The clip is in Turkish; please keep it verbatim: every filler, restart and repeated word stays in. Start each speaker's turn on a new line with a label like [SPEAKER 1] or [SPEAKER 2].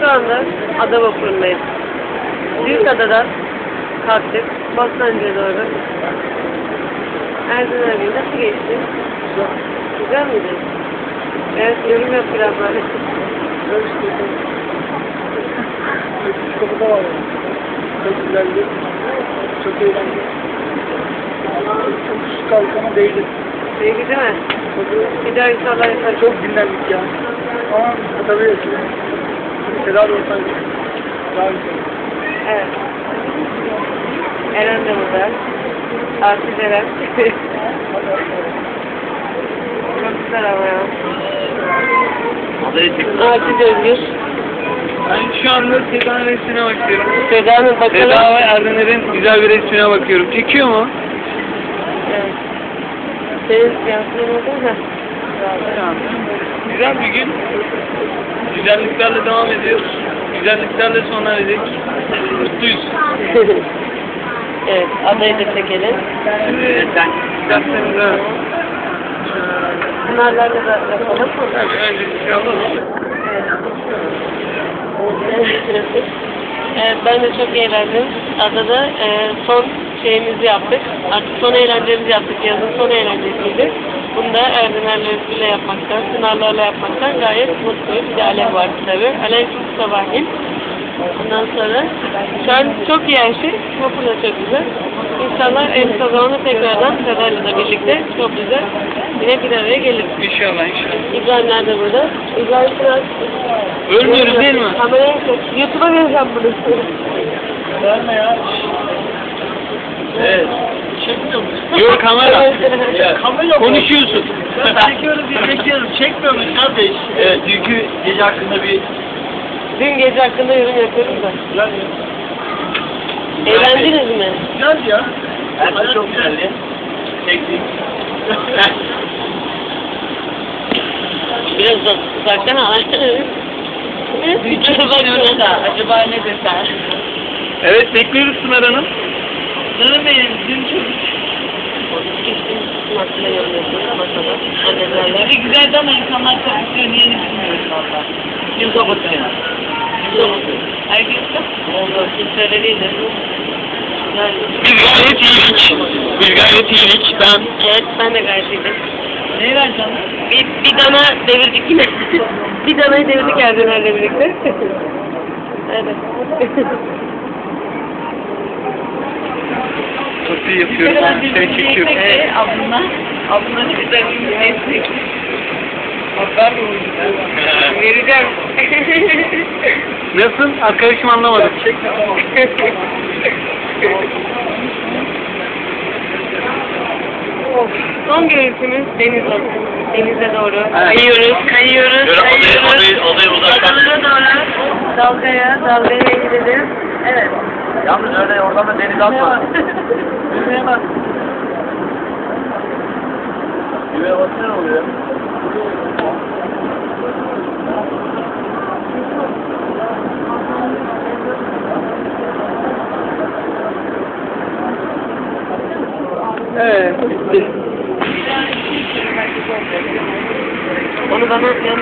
[SPEAKER 1] Şu anda ada vapurundayız. Büyükada'dan kalktık. Bostancı'ya doğru. Erdoğan abi nasıl geçti? Güzel miydi? Evet, yorum yap biraz böyle.
[SPEAKER 2] Kapıda var yani. Çok güzeldi. Çok eğlenceli. Çok şu kalkana değdi.
[SPEAKER 1] Peki değil mi? Bir daha inşallah yaparız.
[SPEAKER 2] Çok dinlendik ya. Ama tabii tedavi olsaydı daha güzel.
[SPEAKER 1] Evet. Eren de burada. Artist Eren. Çok güzel ama ya. Artist Özgür.
[SPEAKER 3] Ben şu anda Seda'nın resmine bakıyorum.
[SPEAKER 1] Seda'nın bakalım.
[SPEAKER 3] Seda ve Erdener'in güzel bir resmine bakıyorum. Çekiyor mu?
[SPEAKER 1] Evet. Senin yansıman oldu mu?
[SPEAKER 3] Güzel bir gün. Güzelliklerle devam ediyoruz. Güzelliklerle sona erecek. Mutluyuz.
[SPEAKER 1] Evet, adayı da çekelim.
[SPEAKER 3] Şimdi sen derslerinde
[SPEAKER 1] Bunlarla da yapalım.
[SPEAKER 3] tabii önce bir şey alalım.
[SPEAKER 1] Evet, ben de çok eğlendim. Adada e, son şeyimizi yaptık. Artık son eğlencemizi yaptık. Yazın son eğlencesiydi. Bunu da Erdener'le yapmaktan, Sınarlarla yapmaktan gayet mutluyuz. Bir de Alev vardı tabii. Alev çok sabahleyin. Ondan sonra şu an çok iyi her şey. Vapur da çok güzel. İnşallah en kısa zamanda tekrardan Seda'yla da birlikte çok güzel yine bir araya geliriz.
[SPEAKER 3] İnşallah inşallah.
[SPEAKER 1] İbrahim nerede burada? İbrahim biraz...
[SPEAKER 3] Ölmüyoruz değil mi?
[SPEAKER 1] Kameraya çek. YouTube'a vereceğim bunu.
[SPEAKER 2] Verme ya.
[SPEAKER 3] Evet.
[SPEAKER 2] Çekmiyor musun?
[SPEAKER 3] Yok kamera.
[SPEAKER 2] Ya, kamera mı?
[SPEAKER 3] Konuşuyorsun.
[SPEAKER 2] Ben çekiyorum diye çekiyorum. Çekmiyor musun kardeş?
[SPEAKER 3] Evet, dünkü gece hakkında bir
[SPEAKER 1] Dün gece hakkında yorum yapıyoruz da.
[SPEAKER 2] Güzel ya.
[SPEAKER 1] Eğlendiniz mi?
[SPEAKER 2] Güzel ya.
[SPEAKER 3] her şey çok güzeldi. Çektik.
[SPEAKER 1] Biraz da uzaktan al. Bir düşünüyoruz da acaba ne deser?
[SPEAKER 3] Evet, bekliyoruz Pınar Hanım.
[SPEAKER 2] Canım benim. Dün çok
[SPEAKER 1] Masada yorum yapıyoruz masada. Annemlerle.
[SPEAKER 2] güzeldi ama insanlar kapatıyor. Niye ne bilmiyorum valla.
[SPEAKER 3] Kim kapatıyor?
[SPEAKER 2] Herkes
[SPEAKER 1] Oldu. Hiç öyle değildi. Yani,
[SPEAKER 3] Biz gayet iyiydik. Biz gayet iyiydik. Ben
[SPEAKER 1] evet ben de gayet iyiydim.
[SPEAKER 2] ne vereceğim?
[SPEAKER 1] Bir, bir dana devirdik yine. Bir danayı devirdik Erdener'le birlikte. Evet.
[SPEAKER 3] çok iyi yapıyorum. Ben seni çekiyorum.
[SPEAKER 1] Evet.
[SPEAKER 2] Abla. Abla güzel bir destek. Haber mi
[SPEAKER 1] Vereceğim.
[SPEAKER 3] Nasıl? Arkadaşım anlamadım.
[SPEAKER 2] Çekme tamam.
[SPEAKER 1] Son görüntümüz deniz olsun. Denize doğru.
[SPEAKER 3] Evet.
[SPEAKER 1] Kayıyoruz, kayıyoruz,
[SPEAKER 3] Böyle
[SPEAKER 1] kayıyoruz.
[SPEAKER 3] odayı- odayı- odayı uzaktan-
[SPEAKER 1] Adalara doğru. Dalgaya, dalgaya gidelim. Evet.
[SPEAKER 3] Yalnız öyle oradan da deniz atma.
[SPEAKER 2] Düğmeye bak.
[SPEAKER 3] Düğmeye basınca ne oluyor? Evet, bitti.
[SPEAKER 1] Onu bana